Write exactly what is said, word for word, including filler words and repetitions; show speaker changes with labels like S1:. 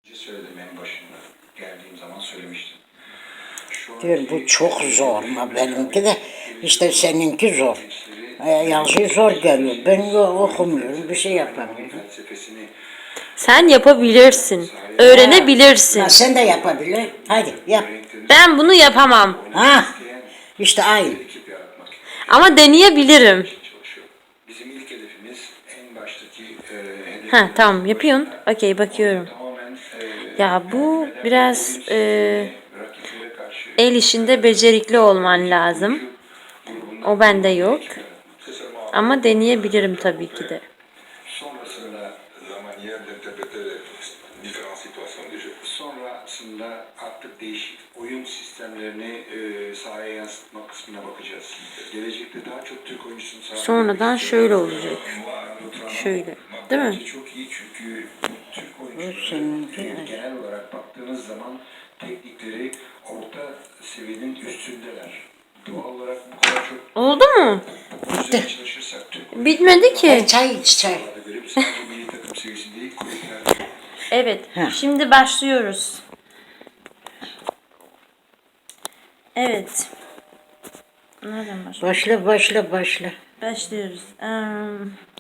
S1: Söyledim en başında. Geldiğim zaman söylemiştim.
S2: Diyorum bu çok zor ama benimki de işte seninki zor. E, yazıyı zor geliyor. Ben yo- okumuyorum, bir şey yapamıyorum.
S3: Sen yapabilirsin. Öğrenebilirsin.
S2: Ha, sen de yapabilir. Hadi yap.
S3: Ben bunu yapamam.
S2: Ha, işte aynı.
S3: Ama deneyebilirim.
S1: Bizim ilk hedefimiz en baştaki e, hedef.
S3: Ha tamam yapıyorsun. Okey bakıyorum.
S1: Tamamen e,
S3: Ya bu biraz e,
S1: rakiplere karşı
S3: el işinde becerikli olman lazım. O bende yok. Ama deneyebilirim tabii ki de.
S1: sonrasında
S4: la manière d'interpréter les différentes situations du jeu.
S1: sonrasında artık değişik oyun sistemlerini e, sahaya yansıtma kısmına bakacağız. Gelecekte daha çok Türk oyuncusunu sahaya
S3: Sonradan şöyle olacak. Şöyle. Değil mi?
S1: Bence çok iyi çünkü Türk
S2: seninki,
S1: oyuncuları
S2: evet.
S1: genel olarak baktığınız zaman teknikleri orta seviyenin üstündeler. Doğal olarak bu kadar çok
S3: Oldu mu?
S1: üzerine çalışırsak Türk
S3: Bitmedi ki.
S2: E, çay iç çay.
S1: oyuncularına göre sadece milli takım seviyesinde değil kulüplerde.
S3: Evet.
S2: Ha.
S3: Şimdi başlıyoruz. Evet. Nereden başlıyoruz?
S2: Başla başla başla.
S3: Başlıyoruz. Um,